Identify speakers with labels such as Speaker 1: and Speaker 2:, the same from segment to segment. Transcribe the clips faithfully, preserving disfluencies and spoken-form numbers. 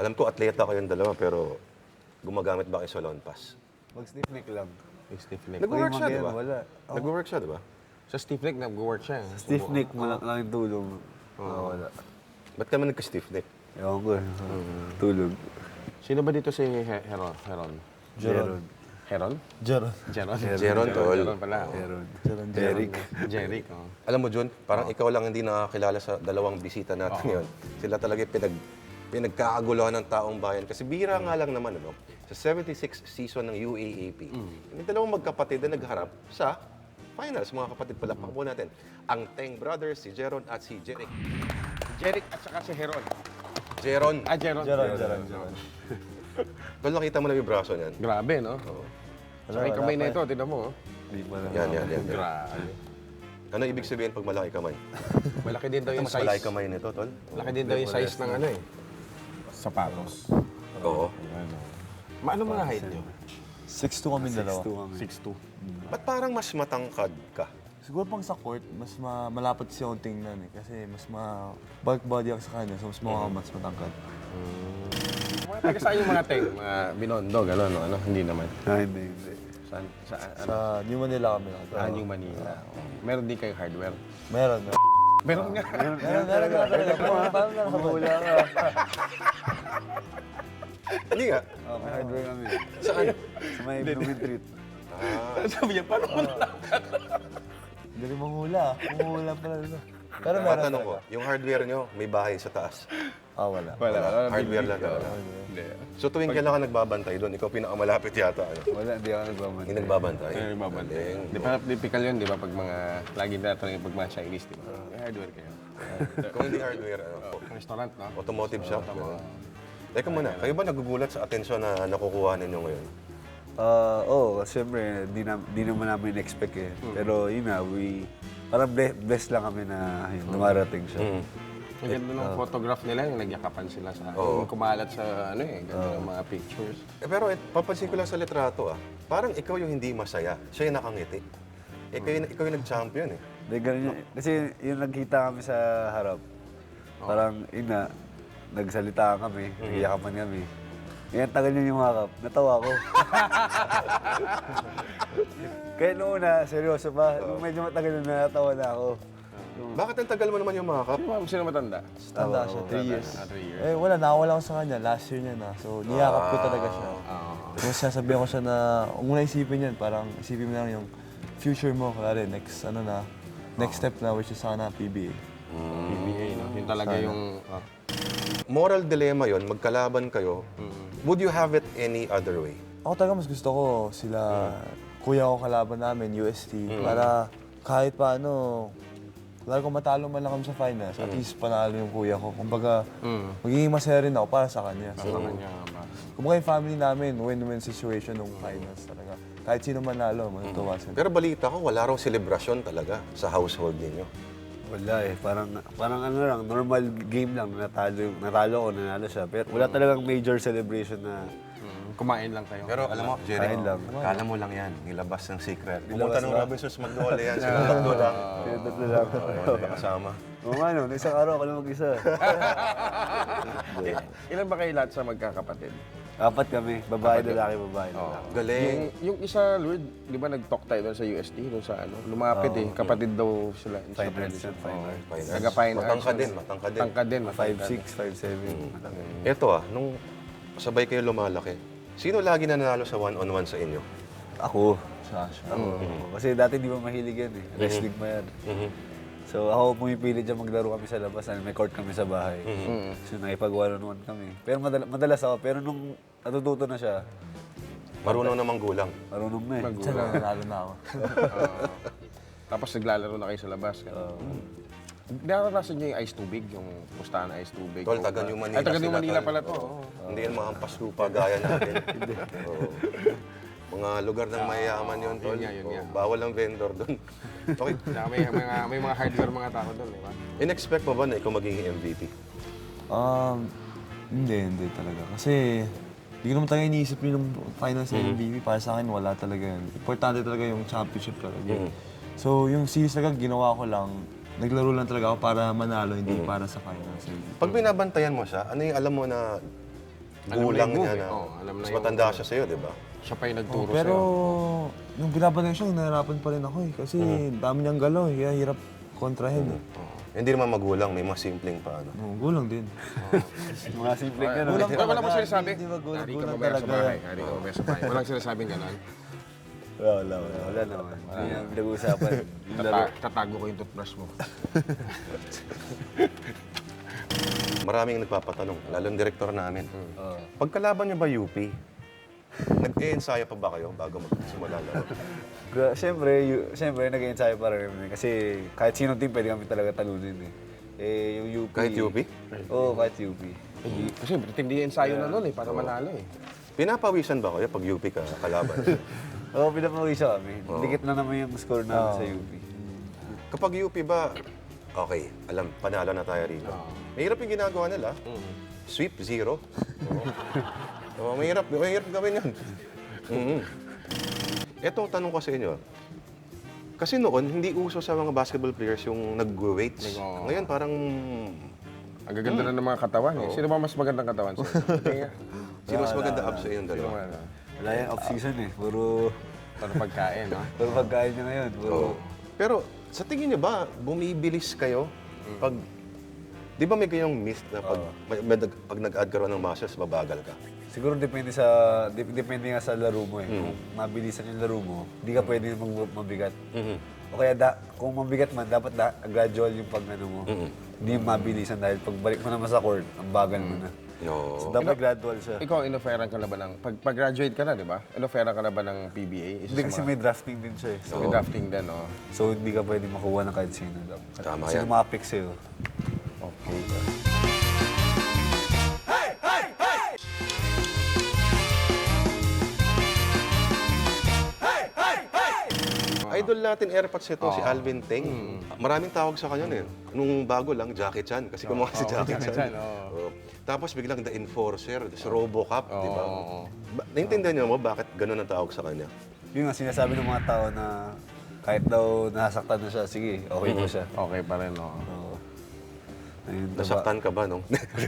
Speaker 1: Alam ko, atleta kayong dalawa, pero gumagamit ba kayo sa lawn pass?
Speaker 2: Mag-stiff neck lang.
Speaker 3: Yung stiff neck.
Speaker 1: Nag-work siya, di
Speaker 2: Ngayon,
Speaker 1: ba?
Speaker 2: wala.
Speaker 1: Nag-work siya, di ba?
Speaker 3: Sa stiff neck, nag-work siya. eh.
Speaker 2: Stiff neck, malak lang yung tulong. Oo, wala.
Speaker 1: Ba't kami nagka-stiff neck?
Speaker 2: Ewan ko eh. Tulog.
Speaker 3: Sino ba dito si He- Heron? Heron?
Speaker 2: Jeron.
Speaker 3: Heron?
Speaker 4: Jeron.
Speaker 3: Jeron?
Speaker 1: Jeron, tol.
Speaker 3: Jeron pala. oh.
Speaker 2: Jeron.
Speaker 4: Jeron.
Speaker 2: Eric.
Speaker 3: Jeric, oh.
Speaker 1: Alam mo, Jun, parang ikaw lang hindi nakakilala sa dalawang bisita natin ngayon. Sila talaga yung pinag, pinagkakaguluhan ng taong bayan. Kasi bira nga lang naman, ano, sa seventy-sixth season ng U A A P, yung dalawang magkapatid na nagharap sa finals, mga kapatid. Palakpak po natin. Ang Teng Brothers, si Jeron at si Jeric.
Speaker 3: Jeric at saka si Heron.
Speaker 1: Jeron.
Speaker 3: Ah, Jeron.
Speaker 4: Jeron, Jeron, Jeron.
Speaker 1: Tol, nakita mo na yung braso niyan.
Speaker 3: Grabe, no? Saka yung kamay na ito, tignan mo. oh.
Speaker 2: Hindi pa na.
Speaker 1: Yan, yan, yan. yan.
Speaker 3: Grabe.
Speaker 1: Ano ibig sabihin pag malaki kamay?
Speaker 3: Malaki din daw yung
Speaker 1: Mas malaki
Speaker 3: size.
Speaker 1: kamay nito, Tol.
Speaker 3: Malaki din daw yung size ng ano eh. Sapatos.
Speaker 1: Oo.
Speaker 3: Maano mga height nyo?
Speaker 4: six two kami dalawa.
Speaker 2: Two kami.
Speaker 3: six two.
Speaker 1: Ba't parang mas matangkad ka?
Speaker 4: Siguro pang sa court, mas ma malapad siya yung tingnan eh. Kasi mas ma bulk body ako sa kanya, so mas mga mas matangkad.
Speaker 3: Mga taga saan yung mga teng? Mga Binondo, gano'n, no? Ano? Hindi naman.
Speaker 2: Ah, hindi, hindi.
Speaker 3: Saan? Sa, ano?
Speaker 4: Sa New Manila kami nakatira.
Speaker 3: Ah, New Manila. Meron din kayong hardware.
Speaker 4: Meron, meron.
Speaker 3: Meron nga.
Speaker 4: Meron, meron talaga. Parang parang nakakabula ka.
Speaker 1: Hindi nga.
Speaker 2: Oh, may hardware kami.
Speaker 1: Saan?
Speaker 2: Sa may Blooming Treat.
Speaker 3: Sabi niya, paano mo na?
Speaker 4: Galing manghula. Manghula pala nito. Pero meron
Speaker 1: Matanong ko,
Speaker 4: talaga.
Speaker 1: yung hardware nyo, may bahay sa taas.
Speaker 4: Ah, wala.
Speaker 3: Wala.
Speaker 1: Hardware lang talaga.
Speaker 3: Hindi.
Speaker 1: So tuwing kailan ka nagbabantay doon, ikaw pinakamalapit yata. Ano?
Speaker 2: Wala, hindi ako nagbabantay.
Speaker 1: Hindi nagbabantay.
Speaker 3: Ay, mabante.
Speaker 1: Galing.
Speaker 3: Di ba typical yun, di ba? Pag mga, lagi natin pag mga Chinese, di ba? May hardware kayo.
Speaker 1: Kung hindi hardware, ano,
Speaker 3: Restaurant, no?
Speaker 1: automotive shop. Ano. Teka muna, kayo ba nagugulat sa atensyon na nakukuha ninyo ngayon?
Speaker 2: Ah, oo, siyempre, di, na, di naman namin expect eh. Pero yun na, we, parang ble- blessed lang kami na yun, dumarating siya.
Speaker 1: Mm.
Speaker 3: Ang ganda ng photograph nila, yung nagyakapan sila sa, yung kumalat sa, ano eh, ganda ng mga pictures.
Speaker 1: Eh, pero eh, papansin ko lang sa litrato ah, parang ikaw yung hindi masaya, siya yung nakangiti. Eh, ikaw, yung- ikaw yung nag-champion eh.
Speaker 2: Di, ganun yun. Kasi yung nagkita kami sa harap, parang yun na, nagsalita kami, nagyakapan kami. Ngayon, tagal niya yung hakap. Natawa ko. Kaya noong una, seryoso pa. Nung medyo matagal na natawa na ako.
Speaker 1: Bakit ang tagal mo naman yung makeup?
Speaker 3: Sino, sino matanda?
Speaker 4: Tanda siya, three years.
Speaker 3: Ah, three years.
Speaker 4: Eh, wala. Nakawala ko sa kanya. Last year niya na. So, niyakap ko talaga siya. So, sasabihan ko siya na, huwag mo na isipin yan. Parang isipin mo na lang yung future mo. Kaya next, ano na, next step na, which is sana P B A.
Speaker 3: P B A, no? Yun talaga yung... ah.
Speaker 1: Moral dilemma yon, magkalaban kayo. Would you have it any other way?
Speaker 4: Ako talaga mas gusto ko sila, kuya ko kalaban namin, U S T, para kahit paano, lalo kung matalo man lang kami sa finals, at least panalo yung kuya ko. Kumbaga, magiging masaya rin ako para sa kanya. So,
Speaker 3: Sa kanya ba?
Speaker 4: kumbaga yung family namin, win-win situation nung finals talaga. Kahit sino manalo, matutuwa sila.
Speaker 1: Pero balita ko, wala raw selebrasyon talaga sa household ninyo.
Speaker 2: Wala eh. Parang, parang ano lang, normal game lang. Natalo, natalo ko, nanalo siya. Pero wala talagang major celebration na...
Speaker 3: Mm, kumain lang kayo.
Speaker 1: Pero alam mo, Jerry,
Speaker 2: Kain lang.
Speaker 1: kala mo lang yan, nilabas ng secret. Pumunta ng Robinsons Magnolia yan, sila tatlo lang.
Speaker 2: Kaya tatlo lang.
Speaker 1: Oo, kasama.
Speaker 2: Oo nga no, isang araw ako lang mag-isa.
Speaker 3: Ilan ba kayo lahat sa magkakapatid?
Speaker 2: Apat kami, babae, lalaki, babae, lalaki.
Speaker 1: Galing.
Speaker 3: Yung, yung isa, Lord, di ba nag-talk tayo doon sa U S T, doon sa ano, lumapit eh, kapatid daw sila. sa
Speaker 2: Finance
Speaker 3: tradition.
Speaker 2: and fine arts.
Speaker 1: Finance.
Speaker 3: Taga fine arts.
Speaker 1: Matangka din, matangka din.
Speaker 3: Tangka din,
Speaker 2: five
Speaker 3: matangka.
Speaker 2: six, five seven.
Speaker 1: Ito ah, nung sabay kayo lumalaki, sino lagi nanalo sa one-on-one sa inyo?
Speaker 2: Ako.
Speaker 4: Sasha.
Speaker 2: Ako. Kasi dati di ba mahilig yan eh. Wrestling pa yan. So ako pumipili dyan maglaro kami sa labas. May court kami sa bahay. So nakipag one-on-one kami. Pero madala- madalas ako. Pero nung natututo na siya,
Speaker 1: Marunong namang gulang.
Speaker 2: marunong na eh.
Speaker 4: Diyan na nanalo na ako.
Speaker 3: Oo. Tapos naglalaro na kayo sa labas. Uh, Naranasan niyo yung ice tubig, yung pustahan ice tubig?
Speaker 1: Tol, taga New Manila
Speaker 3: Ay, taga New
Speaker 1: sila,
Speaker 3: Manila
Speaker 1: tol.
Speaker 3: pala to.
Speaker 1: Oo.
Speaker 3: oo.
Speaker 1: Hindi yan mga lupa gaya natin. Oo. Mga lugar ng mayayaman yun, tol.
Speaker 3: Yun nga, yun nga.
Speaker 1: Oo, bawal ang vendor doon. Okay.
Speaker 3: Saka may, may, mga, may mga hardware mga tao doon, di ba?
Speaker 1: In-expect mo ba na ikaw magiging M V P?
Speaker 4: Um, hindi, hindi talaga. Kasi, hindi ko naman talaga iniisip yung finals ng M V P. Para sa akin, wala talaga yun. Importante talaga yung championship talaga. So, yung series talaga, ginawa ko lang. Naglaro lang talaga ako para manalo, hindi para sa finals.
Speaker 1: Pag binabantayan mo siya, ano yung alam mo na
Speaker 3: Alam na
Speaker 1: gulang
Speaker 3: yung
Speaker 1: niya
Speaker 3: move,
Speaker 1: na.
Speaker 3: eh. Oo, alam na
Speaker 1: Mas
Speaker 3: yung-
Speaker 1: matanda siya sa'yo, di ba?
Speaker 3: Siya pa yung nagturo
Speaker 4: Pero
Speaker 3: sa'yo.
Speaker 4: nung binabanay siya, nahirapan pa rin ako eh. Kasi dami niyang galaw, eh, kaya hirap kontrahin eh.
Speaker 1: Hindi naman magulang, may mga simpleng pa. Ano.
Speaker 4: Oh, gulang din.
Speaker 2: Mga simpleng gano'n.
Speaker 4: Gulang
Speaker 3: Wala, wala mo
Speaker 4: talaga,
Speaker 3: sinasabi?
Speaker 4: hindi ba gulang-
Speaker 3: Hari ka
Speaker 4: gulang
Speaker 3: mamaya sa
Speaker 4: talaga.
Speaker 3: bahay. Hari ka mamaya sa bahay. Walang sinasabing gano'n.
Speaker 2: Wala, wala, wala. Wala naman. Hindi na pinag-uusapan. Yung laro.
Speaker 3: Tata- tatago ko yung toothbrush mo.
Speaker 1: Maraming nagpapatanong, lalo ang direktor namin.
Speaker 2: Oo.
Speaker 1: Pagkalaban niyo ba U P? Nag-e-ensayo pa ba kayo bago magsimula laro?
Speaker 2: Gra- Siyempre, yu- siyempre nag-ensayo pa rin kami. Kasi kahit sinong team, pwede kami talaga talunin eh. Eh, yung U P...
Speaker 1: Kahit U P?
Speaker 2: Oo, kahit U P.
Speaker 3: Eh, Kasi tindi yung ensayo na nun eh, para manalo eh.
Speaker 1: Pinapawisan ba kayo pag U P ka kalaban?
Speaker 2: Oo, pinapawisa kami. Dikit na naman yung score namin sa U P.
Speaker 1: Kapag U P ba, okay, alam, panalo na tayo rito. Mahirap yung ginagawa nila. Sweep, zero. Oo. Oo, mahirap, mahirap gawin yun. Mhm. Ito, tanong ko sa inyo. Kasi noon, hindi uso sa mga basketball players yung nag-weights.
Speaker 3: Oo.
Speaker 1: Ngayon, parang...
Speaker 3: Ang gaganda na ng mga katawan eh. Sino ba mas magandang katawan sa'yo? Tingnan.
Speaker 1: Sino mas maganda abs sa inyong
Speaker 3: Sino
Speaker 1: dalawa?
Speaker 3: man, ah?
Speaker 2: Wala yung off-season eh. Puro,
Speaker 3: Para pagkain, no?
Speaker 2: puro pagkain niya ngayon. Puro,
Speaker 1: Oo. Pero sa tingin niyo ba, bumibilis kayo pag... Di ba may ganyang myth na pag, may, may, nag- pag nag-add ka raw ng muscles, mabagal ka?
Speaker 2: siguro depende sa dep- depende nga sa laro mo eh. Kung mabilisan yung laro mo, hindi ka pwede mag mabigat. O kaya da, kung mabigat man, dapat da, gradual yung pag ano mo. Hindi yung mabilisan dahil pagbalik mo naman sa court, ang bagal mo na.
Speaker 1: No.
Speaker 2: So dapat gradual siya.
Speaker 3: Ikaw, inoferan ka na ba ng... Pag, pag-graduate ka na, di ba? Inoferan ka na ba ng P B A? Isa
Speaker 2: Hindi
Speaker 3: sa
Speaker 2: kasi
Speaker 3: mga-
Speaker 2: may drafting din siya eh. So,
Speaker 3: May drafting din, no?
Speaker 2: so hindi ka pwede makuha ng kahit sino.
Speaker 1: Tama
Speaker 2: Sino
Speaker 1: yan.
Speaker 2: mapik sa'yo.
Speaker 3: Okay.
Speaker 1: Idol natin airpods ito, si Alvin Teng. Maraming tawag sa kanya eh. Nung bago lang, Jackie Chan. Kasi gumawa si Jackie
Speaker 3: Jackie
Speaker 1: Chan.
Speaker 3: Chan, oo.
Speaker 1: Oo. Tapos biglang The Enforcer, si Robocop, di ba?
Speaker 3: oo.
Speaker 1: Ba- Naintindihan niyo mo bakit ganun ang tawag sa kanya?
Speaker 2: Yun nga sinasabi ng mga tao na kahit daw nasaktan na siya, sige, okay pa siya.
Speaker 3: Okay pa rin, no?
Speaker 2: Oo. Ayun, diba?
Speaker 1: Nasaktan ka ba, no?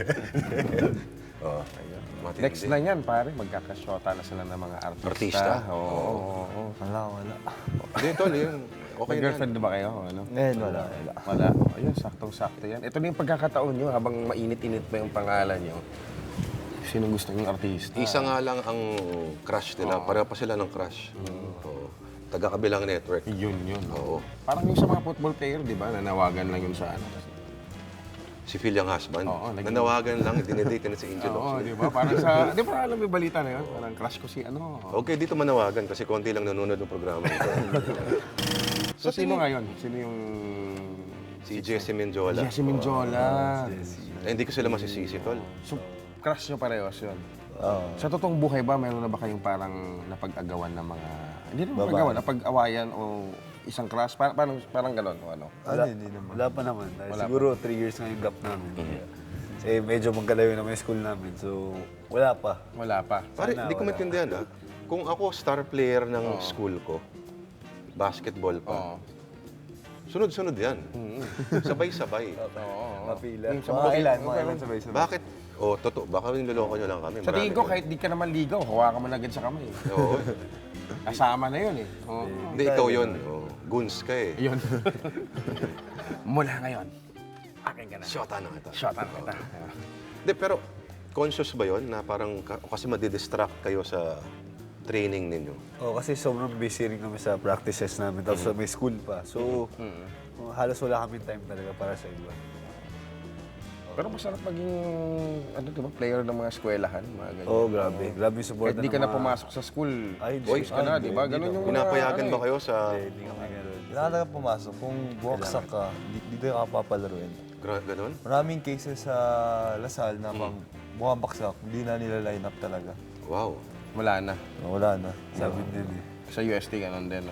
Speaker 1: Oo. Matindi.
Speaker 3: Next na yan, pare. Magkakasyota na sila ng mga artista.
Speaker 1: Artista?
Speaker 3: Oo, oo, oo.
Speaker 4: Wala, wala.
Speaker 1: Hindi, tol, yun.
Speaker 3: May
Speaker 1: Okay na yan.
Speaker 3: girlfriend na ba kayo? Ano?
Speaker 4: Ngayon, wala, wala.
Speaker 3: Wala. Oh, ayun, saktong-sakto yan. Ito na yung pagkakataon nyo habang mainit-init pa yung pangalan nyo. Sino gusto yung artista?
Speaker 1: Isa nga lang ang crush nila. Pareho pa sila ng crush. Oo. Taga-kabilang network.
Speaker 3: Yun, yun.
Speaker 1: Oo.
Speaker 3: Parang yung sa mga football player, di ba? Nanawagan lang yun sa ano.
Speaker 1: Si Phil yung husband.
Speaker 3: Oo, naging-
Speaker 1: Nanawagan lang, dinedate na si Angel
Speaker 3: Oo,
Speaker 1: Oxley.
Speaker 3: di ba? Parang sa... Di ba alam mo yung balita na yun? Parang crush ko si ano.
Speaker 1: Okay, dito manawagan kasi konti lang nanonood ng programa ito.
Speaker 3: So, sino ngayon? Sino yung...
Speaker 1: Si Jesse Menjola.
Speaker 3: Jesse Minjola.
Speaker 1: Eh, hindi ko sila masisisi, tol.
Speaker 3: So, crush nyo parehas yun.
Speaker 2: Oo.
Speaker 3: Sa totoong buhay ba, mayroon na ba kayong parang napag-agawan ng mga... Hindi naman napag-agawan, napag-awayan o isang crush? Parang, parang, parang gano'n o ano?
Speaker 4: Ano, hindi naman.
Speaker 2: Wala pa naman. Dahil
Speaker 3: Wala
Speaker 2: siguro three years na yung gap namin. Kasi medyo magkalayo naman yung school namin. So, wala pa.
Speaker 3: Wala pa.
Speaker 1: Pare,
Speaker 2: Sana,
Speaker 1: hindi ko
Speaker 2: wala.
Speaker 1: maintindihan ah. Kung ako star player ng school ko, basketball pa,
Speaker 3: Oo.
Speaker 1: sunod-sunod yan. Sabay-sabay.
Speaker 3: Oo.
Speaker 2: Mapila.
Speaker 3: Yung sa
Speaker 2: Mga
Speaker 3: mga-
Speaker 2: ilan, mga ilan sabay-sabay.
Speaker 1: Bakit? Oh, totoo. Baka niloloko nyo lang kami.
Speaker 3: Sa tingin ko,
Speaker 1: Marami
Speaker 3: kahit di ka naman ligaw, hawakan mo na agad sa kamay.
Speaker 1: yun. Oo.
Speaker 3: Kasama na yun eh. Oo.
Speaker 1: Hindi, ikaw yun. Oh, goons ka eh.
Speaker 3: Yun. Mula ngayon, akin ka na.
Speaker 1: Shota na kita.
Speaker 3: Shot na kita.
Speaker 1: Hindi, pero conscious ba yun na parang ka- kasi madidistract kayo sa training ninyo?
Speaker 2: Oh, kasi sobrang busy rin kami sa practices namin. Tapos may school pa. So, oh, halos wala kami time talaga para sa iba.
Speaker 3: Pero masarap maging, ano diba, player ng mga eskwelahan, mga ganyan.
Speaker 2: Oh, grabe. Grabe yung support
Speaker 3: Kahit di ka na pumasok sa school,
Speaker 2: Ay,
Speaker 3: boys ka na, di ba? Ganun yung...
Speaker 1: Pinapayagan
Speaker 3: ano
Speaker 1: ba
Speaker 3: eh.
Speaker 1: kayo sa...
Speaker 2: Hindi kami ganun.
Speaker 4: Kailangan talaga pumasok. Kung buwaksak ka, di- dito ka papalaruin.
Speaker 1: Gra- Ganon?
Speaker 4: Maraming cases sa Lasal na pag bumabaksak, hindi na nila line up talaga.
Speaker 1: Wow.
Speaker 3: Wala na.
Speaker 4: Wala na.
Speaker 2: Sabi din eh.
Speaker 3: Sa U S T, ganun din, no?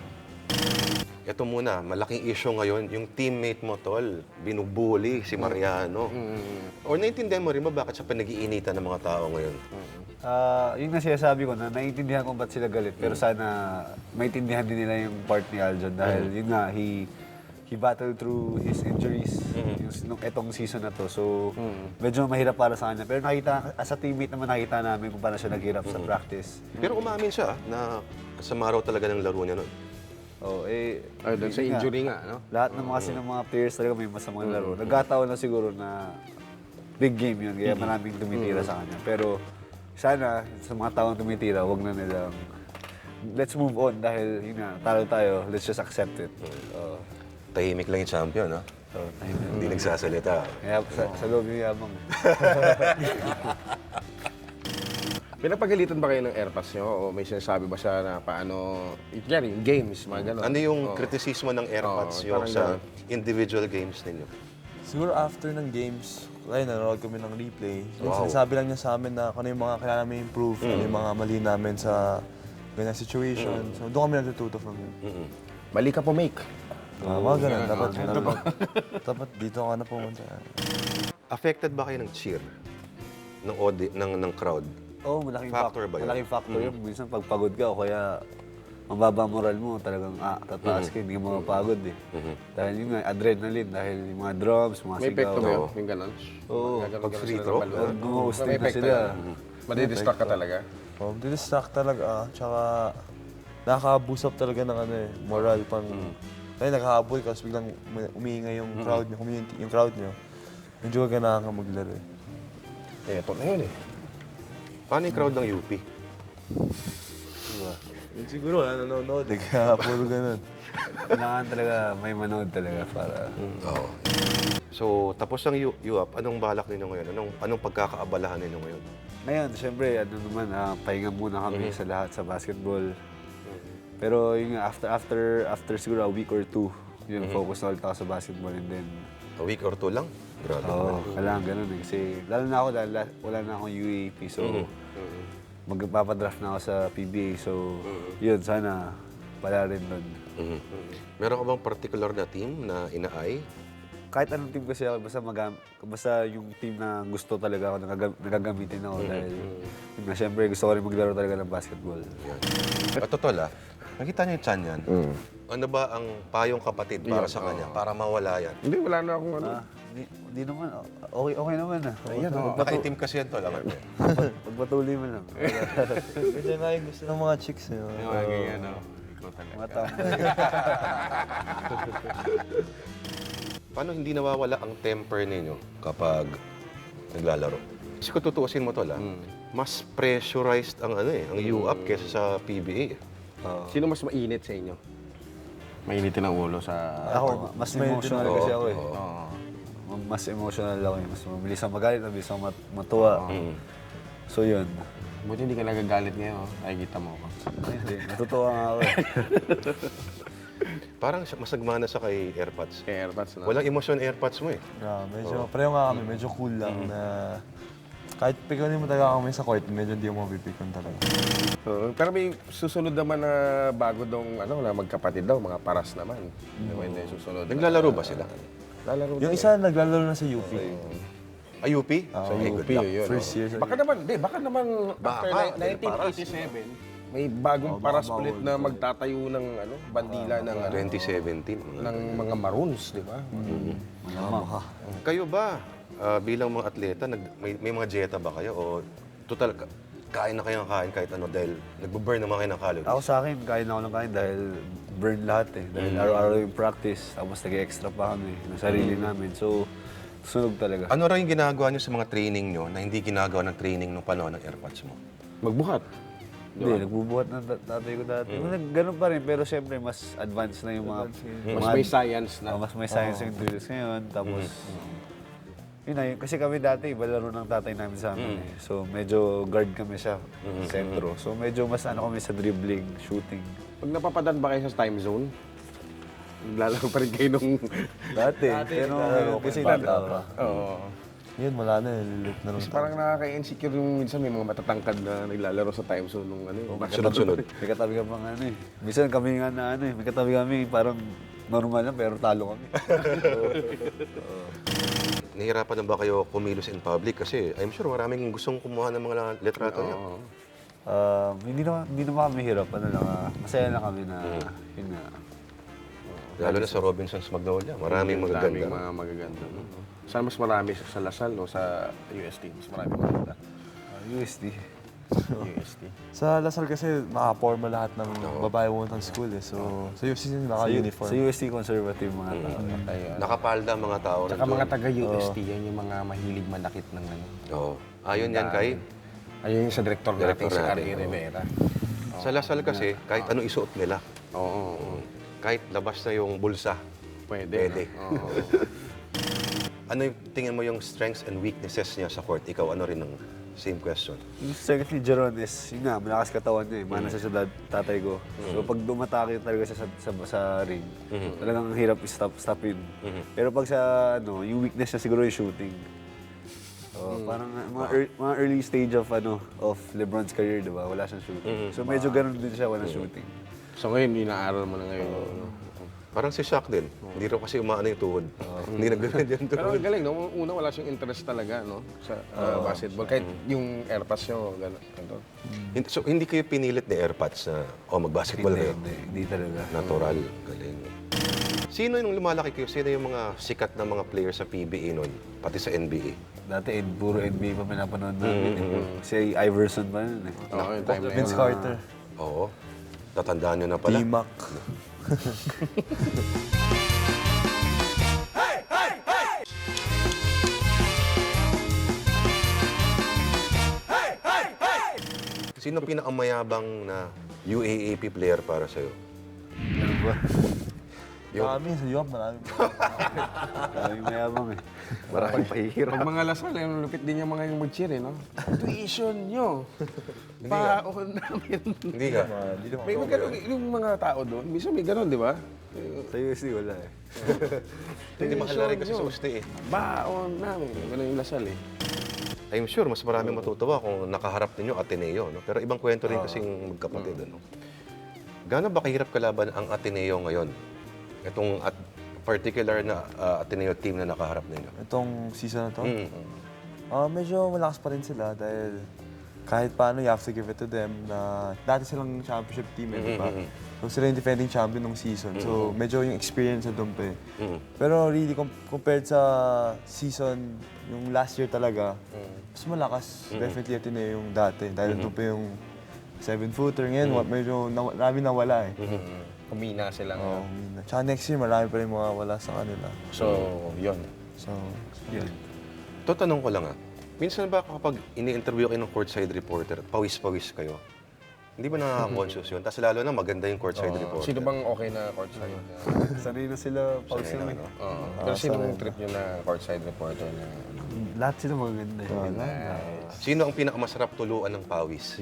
Speaker 1: Ito muna, malaking issue ngayon, yung teammate mo, tol, binubuli si Mariano. O naintindihan mo rin ba bakit siya pinag-iinitan ng mga tao ngayon?
Speaker 2: Ah, yun nga sinasabi ko na naiintindihan ko ba't sila galit. Pero sana maintindihan din nila yung part ni Aljon dahil yun nga, he he battled through his injuries yung, nung etong season na to. So, medyo mahirap para sa kanya. Pero nakita, as a teammate naman nakita namin kung paano siya naghirap sa practice.
Speaker 1: Pero umamin siya na kasama raw talaga ng laro niya nun.
Speaker 2: Oh, eh,
Speaker 3: Ay, doon sa
Speaker 2: yun nga.
Speaker 3: injury nga, no?
Speaker 2: Lahat ng mga kasi ng mga players talaga may masamang laro. Nagkataon na siguro na big game yun, kaya maraming tumitira sa kanya. Pero sana sa mga taong tumitira, wag na nilang let's move on dahil yun nga, talo tayo, let's just accept it. Uh,
Speaker 1: Tahimik lang yung champion, ha?
Speaker 2: so, tayo na.
Speaker 1: Hindi nagsasalita.
Speaker 2: Kaya sa, sa loob yung yabang.
Speaker 3: Pinapagalitan ba kayo ng airpads nyo? O may sinasabi ba siya na paano, yan, yung games, mga gano'n?
Speaker 1: Ano yung
Speaker 3: Oo.
Speaker 1: kritisismo ng
Speaker 3: Oo,
Speaker 1: airpads nyo
Speaker 3: parang
Speaker 1: sa
Speaker 3: ganun.
Speaker 1: individual games ninyo?
Speaker 4: Siguro after ng games, kaya nanonood kami ng replay. So,
Speaker 1: Wow.
Speaker 4: sinasabi lang niya sa amin na kung ano yung mga kailangan namin improve, ano yung mga mali namin sa ganyan situation. So doon kami natututo from him.
Speaker 1: Mm-mm.
Speaker 3: Mali ka po, make.
Speaker 4: Uh, mga ganun, dapat, dapat, dapat dito ka na pumunta.
Speaker 1: Affected ba kayo ng cheer? Ng, audi- ng, ng crowd?
Speaker 2: Oo, oh, malaking
Speaker 1: Factor
Speaker 2: fac-
Speaker 1: ba yun?
Speaker 2: Malaking factor yun. Minsan pag pagod ka o kaya mababa moral mo, talagang ah, tataas ka, hindi ka mapapagod eh. Dahil yun nga, adrenaline, dahil yung mga drums, mga
Speaker 3: May
Speaker 2: sigaw.
Speaker 3: epekto ba yun? Yung gano'n?
Speaker 2: Oo.
Speaker 3: Gagano-
Speaker 1: Pag
Speaker 3: gano'n
Speaker 1: free
Speaker 3: sila
Speaker 1: throw?
Speaker 3: ng balon.
Speaker 2: Pag gumuhustin
Speaker 3: May
Speaker 2: na
Speaker 3: epekto
Speaker 2: sila.
Speaker 3: yan. Madidistract ka talaga?
Speaker 4: Um, distract talaga, ah. Tsaka nakaka-boost up talaga ng ano eh, moral pang... Kaya naghahabol ka, tapos biglang umi- umiingay yung crowd nyo, community, yung crowd nyo. Medyo ganahan ka maglaro eh.
Speaker 3: Eh, ito na yun eh.
Speaker 1: Paano yung crowd ng U P?
Speaker 4: Siguro, ano, nanonood eh, kaya puro ganun.
Speaker 2: Kailangan talaga, may manood talaga para...
Speaker 1: Oo. So, tapos ang U- UAP, anong balak ninyo ngayon? Anong, anong pagkakaabalahan ninyo ngayon?
Speaker 2: Ngayon, siyempre, ano naman, ah, pahinga muna kami sa lahat sa basketball. Pero yung nga, after, after, after siguro a week or two, yun, focus na ulit ako sa basketball and then...
Speaker 1: A week or two lang? Grabe
Speaker 2: Oo,
Speaker 1: naman.
Speaker 2: kailangan ganun eh. Kasi lalo na ako dahil la- wala na akong U A P. So, magpapadraft na ako sa P B A. So, yun, sana pala rin doon.
Speaker 1: Mhm. Meron ka bang particular na team na inaay?
Speaker 2: Kahit anong team kasi ako, basta, magam- basta yung team na gusto talaga ako, nagagam- nagagamitin ako. Dahil, yun nga, syempre, gusto ko rin maglaro talaga ng basketball.
Speaker 1: Yan. At totoo la, nakita niyo yung chan yan? Ano ba ang payong kapatid para sa kanya? Para mawala yan?
Speaker 3: Hindi, wala na akong ano.
Speaker 2: Ah, di, di naman, okay, okay naman ah.
Speaker 3: Ayan, oh.
Speaker 1: Nakaitim kasi yan to, alam mo.
Speaker 2: Pagpatuloy mo lang.
Speaker 4: Kasi nga yung gusto ng mga chicks eh.
Speaker 3: Yung mga ganyan, no? Ikaw talaga.
Speaker 2: Mga tao.
Speaker 1: Paano hindi nawawala ang temper ninyo kapag naglalaro? Kasi kung tutuusin mo to la, mas pressurized ang ano eh, ang U A P kesa sa P B A. eh.
Speaker 3: Sino mas mainit sa inyo? Mainitin ang ulo sa...
Speaker 2: Ako, mas emotional kasi ako eh.
Speaker 3: Oo.
Speaker 2: Mas emotional ako eh. Mas mabilis ang magalit, mabilis ang mat- matuwa. So yun.
Speaker 3: Buti hindi ka nagagalit ngayon. Nakikita mo ako.
Speaker 2: Hindi, natutuwa nga ako eh.
Speaker 1: Parang siya- masagmana sa kay AirPods.
Speaker 3: Kaya airpads na.
Speaker 1: Walang emosyon AirPods mo eh.
Speaker 4: Yeah, medyo, pareho nga kami, medyo cool lang na kahit pikunin mo talaga kami sa court, medyo hindi mo mapipikon talaga.
Speaker 3: Oo, pero may susunod naman na bago dong ano na magkapatid daw, mga paras naman. Mm. Hindi susunod.
Speaker 1: Naglalaro ba sila?
Speaker 3: Lalaro
Speaker 4: Yung
Speaker 3: din.
Speaker 4: isa naglalaro na sa U P.
Speaker 1: Ay, U P?
Speaker 3: sa
Speaker 1: Ay,
Speaker 3: U
Speaker 1: good
Speaker 3: P
Speaker 1: luck.
Speaker 3: yun.
Speaker 4: First
Speaker 3: oh.
Speaker 4: year sa
Speaker 3: Baka naman, di, baka naman
Speaker 1: Baka,
Speaker 3: after
Speaker 1: dahil
Speaker 3: nineteen eighty-seven, may bagong
Speaker 4: Oh,
Speaker 3: paras
Speaker 4: baka
Speaker 3: ulit
Speaker 4: bawal
Speaker 3: na
Speaker 4: to.
Speaker 3: magtatayo ng ano, bandila ng ano,
Speaker 1: twenty seventeen.
Speaker 3: ng mga Maroons, di ba?
Speaker 2: Malamang.
Speaker 1: Kayo ba, ah, bilang mga atleta, nag, may, may mga dieta ba kayo? O total, ka- kain na kayo ng kain kahit ano dahil nagbo-burn naman kayo ng calories?
Speaker 2: Ako sa akin, kain ako ng kain dahil burn lahat eh. Dahil araw-araw yung practice, tapos nag-extra pa kami ng sarili namin. So, sunog talaga.
Speaker 1: Ano rin yung ginagawa nyo sa mga training nyo na hindi ginagawa ng training nung panahon ng AirPods mo?
Speaker 3: Magbuhat.
Speaker 2: Hindi, nagbubuhat ng tat- tatay ko dati. Mm. Ganun pa rin, pero siyempre mas advanced na yung mga...
Speaker 3: Mas
Speaker 2: mga-
Speaker 3: may science na.
Speaker 2: Oh, mas may science yung drills ngayon. Tapos, yun na, yun, kasi kami dati, iba laro ng tatay namin sa amin eh. So, medyo guard kami siya, sentro. So, medyo mas ano kami sa dribbling, shooting.
Speaker 3: Pag napapadan ba kayo sa time zone, naglalaro pa rin kayo nung...
Speaker 2: Dati, pero ngayon kasi bata pa.
Speaker 3: Oo.
Speaker 4: Yun, wala na, lilit na lang.
Speaker 3: Kasi parang nakaka-insecure yung minsan may mga matatangkad na naglalaro sa time zone nung ano eh.
Speaker 1: Sunod-sunod.
Speaker 2: May katabi ka pang ano eh. Minsan kami nga na ano eh, may katabi kami parang normal lang pero talo kami.
Speaker 1: Nahihirapan na ba kayo kumilos in public? Kasi I'm sure maraming gustong kumuha ng mga litrato niyo.
Speaker 3: Oo.
Speaker 2: Um, hindi naman hindi naman kami hirap, ano lang, ah, masaya na kami na yun nga.
Speaker 1: Lalo na sa Robinsons Magnolia. Maraming
Speaker 3: Daming
Speaker 1: magaganda.
Speaker 3: mga magaganda. No? Saan mas marami sa sa Lasal o sa U S T? Mas marami maganda.
Speaker 2: Ah, U S D.
Speaker 3: U S T.
Speaker 4: Sa Lasal kasi naka-forma lahat ng babae pumunta ng school eh. So, sa U S T naka-uniform.
Speaker 2: Sa U S D conservative mga tao.
Speaker 3: Ayun.
Speaker 1: Nakapalda ang mga tao
Speaker 3: Saka
Speaker 1: nandun.
Speaker 3: mga taga-U S T, yan yung mga mahilig manakit ng ano.
Speaker 1: Oo. Ayon yan kay...
Speaker 3: Ayun yung sa director,
Speaker 1: Director
Speaker 3: natin, si
Speaker 1: natin,
Speaker 3: R. E.
Speaker 1: oo.
Speaker 3: Rivera.
Speaker 1: Sa Lasal kasi, kahit ano isuot nila.
Speaker 3: Oo, oo, oo.
Speaker 1: Kahit labas na yung bulsa.
Speaker 3: Pwede.
Speaker 1: Pwede.
Speaker 3: no? Oo.
Speaker 1: Ano yung tingin mo yung strengths and weaknesses niya sa court? Ikaw, ano rin ang same question?
Speaker 2: Yung second ni Jeron is, yun nga, malakas katawan niya eh. Mana siya sa dad- tatay ko. So pag dumatake talaga siya sa, sa, sa ring, talagang hirap i-stop, stopin. Pero pag sa, ano, yung weakness niya siguro yung shooting. So, parang uh, mga, ear- mga early stage of ano of LeBron's career, di ba? Wala siyang shooting. So medyo ganun din siya, walang shooting.
Speaker 3: So ngayon, inaaral mo na ngayon. no?
Speaker 1: Parang si Shaq din. Hindi rin kasi umaano yung tuhod. Hindi na ganun yung
Speaker 3: Pero
Speaker 1: tuhod.
Speaker 3: ang galing, no? Una wala siyang interest talaga, no? Sa uh, basketball. Kahit yung airpass niyo, gano'n. gano'n.
Speaker 1: Hindi- So, hindi kayo pinilit ni Airpods na, oh, mag-basketball
Speaker 2: Hindi,
Speaker 1: kayo.
Speaker 2: hindi, hindi talaga.
Speaker 1: Natural. Galing. Sino yung lumalaki kayo? Sino yung mga sikat na mga players sa P B A noon? Pati sa N B A?
Speaker 2: Dati, eh, puro N B A pa pinapanood namin. eh. Si Iverson pa yun eh.
Speaker 3: Oo, yung time na yun.
Speaker 4: Vince Carter,
Speaker 1: Oo. Tatandaan nyo na pala.
Speaker 4: D-Mac.
Speaker 1: Sino pinakamayabang na U A A P player para sa'yo?
Speaker 2: Ano ba?
Speaker 4: Marami sa U A P, marami.
Speaker 2: Maraming mayabang eh.
Speaker 1: Maraming pahihirap.
Speaker 3: Pag mga lasal, yung lupit din yung mga yung mag-cheer, eh, no? Tuition nyo. Paon namin.
Speaker 1: Hindi ka.
Speaker 4: Hindi naman.
Speaker 3: May mga ganun, yung mga tao doon, minsan may ganun, di ba?
Speaker 2: Sa U S D wala eh.
Speaker 1: Hindi mahal rin kasi sa usti eh.
Speaker 3: Baon namin. Ganun yung lasal, eh.
Speaker 1: I'm sure mas maraming matutuwa kung nakaharap ninyo Ateneo, no? Pero ibang kwento rin kasing magkapatid, ano? Gaano ba kahirap kalaban ang Ateneo ngayon? Itong at particular na ah, Ateneo team na nakaharap ninyo.
Speaker 4: Itong season na to,
Speaker 1: Mm.
Speaker 4: ah medyo malakas pa rin sila dahil kahit paano, you have to give it to them na dati silang championship team, eh, di ba? So sila yung defending champion ng season. So medyo yung experience na doon pa eh. Pero really, com- compared sa season, yung last year talaga, mas malakas. Definitely ito na yung dati. Dahil doon pa yung seven-footer. Ngayon, wa- medyo naw- marami nawala eh.
Speaker 3: Kumina sila
Speaker 4: Oo,
Speaker 3: ngayon.
Speaker 4: tsaka next year, marami pa rin mga wala sa kanila.
Speaker 3: So, yun.
Speaker 4: So, yun.
Speaker 1: Ito, tanong ko lang ah. Minsan ba kapag ini-interview kayo ng courtside reporter, pawis-pawis kayo? Hindi ba nakaka-conscious yun? Tapos lalo na maganda yung courtside reporter.
Speaker 3: Sino bang okay na courtside?
Speaker 2: Sanay na sila pause
Speaker 1: Sanay
Speaker 2: lang
Speaker 1: na,
Speaker 2: eh.
Speaker 1: no?
Speaker 3: Oo. Pero sino ang trip nyo na courtside reporter na ano?
Speaker 2: Lahat sila maganda eh.
Speaker 1: Sino ang pinakamasarap tuluan ng pawis?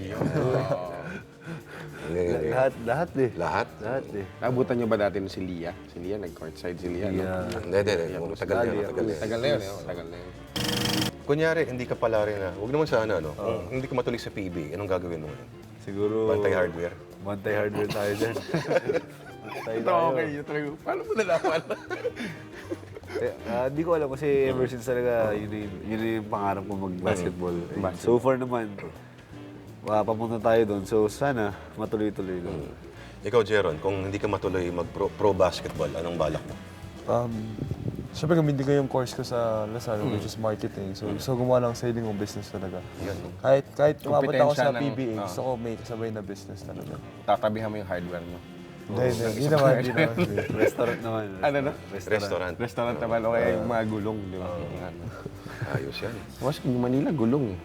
Speaker 1: Hindi.
Speaker 2: Lahat, lahat eh.
Speaker 1: Lahat?
Speaker 2: Lahat eh.
Speaker 3: Nabutan nyo ba dati si Lia? Si Lia, nag-courtside si Lia. no?
Speaker 2: Yeah.
Speaker 1: Hindi, hindi, hindi. Matagal na, matagal na.
Speaker 3: Tagal na yun, eh. oh, Tagal na yun.
Speaker 1: Kunyari, hindi ka pala rin na, huwag naman sana, no? Kung hindi ka matuloy sa P B, anong gagawin mo ngayon?
Speaker 2: Siguro...
Speaker 1: Bantay hardware?
Speaker 2: Bantay hardware tayo dyan. Bantay
Speaker 3: Ito,
Speaker 2: tayo.
Speaker 3: okay. Ito, paano mo nalaman?
Speaker 2: Eh, ah, Di ko alam kasi ever since talaga yun, na yun, yun na yung pangarap ko mag-basketball. Eh, So far naman, uh, papunta tayo doon. So sana matuloy-tuloy lang.
Speaker 1: Ikaw, Jeron, kung hindi ka matuloy mag-pro pro basketball, anong balak mo?
Speaker 4: Um, Siyempre, gamitin ko yung course ko sa Lasal, which is marketing. So, so gumawa lang sa sarili kong business talaga. Kahit, kahit umabot ako sa
Speaker 3: Kompetensya ng-
Speaker 4: P B A,
Speaker 3: ah.
Speaker 4: gusto ko may kasabay na business talaga.
Speaker 3: Tatabihan mo yung hardware mo.
Speaker 4: Hindi, hindi. Hindi naman, hindi naman.
Speaker 2: Restaurant naman.
Speaker 3: Ano na?
Speaker 1: Restaurant.
Speaker 3: Restaurant naman o kaya yung mga gulong, di ba? Ano.
Speaker 1: Ayos yan.
Speaker 3: Mas yung Manila, gulong eh.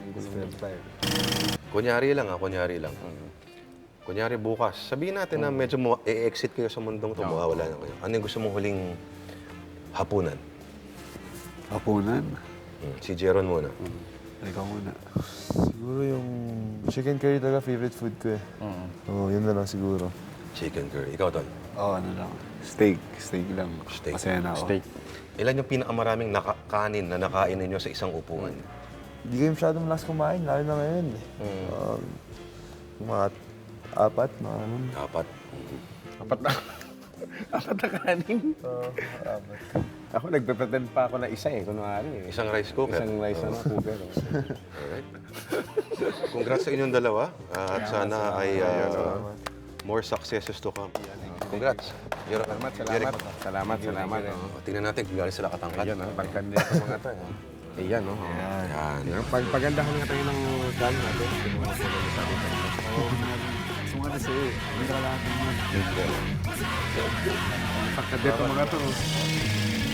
Speaker 1: Kunyari lang ah, kunyari lang. Kunyari bukas, sabihin natin na medyo mo e-exit kayo sa mundong to, mawawala na kayo. Ano yung gusto mong huling hapunan?
Speaker 2: Hapunan.
Speaker 1: Hmm, Si Jeron muna.
Speaker 2: Ikaw muna.
Speaker 4: Siguro yung chicken curry talaga favorite food ko eh. Oo, yun na lang siguro.
Speaker 1: Chicken curry. Ikaw, Tol?
Speaker 2: Oo, ano lang. Steak. Steak lang.
Speaker 1: Steak.
Speaker 2: Masaya na ako.
Speaker 3: Steak.
Speaker 1: Ilan yung pinakamaraming naka- kanin na nakain ninyo sa isang upuan?
Speaker 4: Hindi kayo masyadong malas kumain, lalo na ngayon eh. Um, mga apat, mga ano.
Speaker 1: Dapat.
Speaker 3: Apat na. Apat na kanin.
Speaker 4: Oo, apat.
Speaker 3: Ako, nagpe-pretend pa ako na isa eh, kunwari eh.
Speaker 1: Isang rice cooker.
Speaker 3: Isang rice ano, cooker. oh.
Speaker 1: Alright. Congrats sa inyong dalawa. Ah, at sana ay ah, more successes to come. Congrats. You're,
Speaker 3: Salamat, salamat. Salamat, salamat.
Speaker 1: Oh, tingnan natin kung galing sila katangkad.
Speaker 3: Ayan, oh, tangkad nito mga to. eh. Ayan, oh.
Speaker 1: Yan.
Speaker 3: Ayan. Pag pagandahan nga tayo ng gun natin. Yung mga paganda sa atin.
Speaker 2: Sumada sa'yo eh. Hindi ka lahat ng mga.
Speaker 3: Tangkad nito mga to.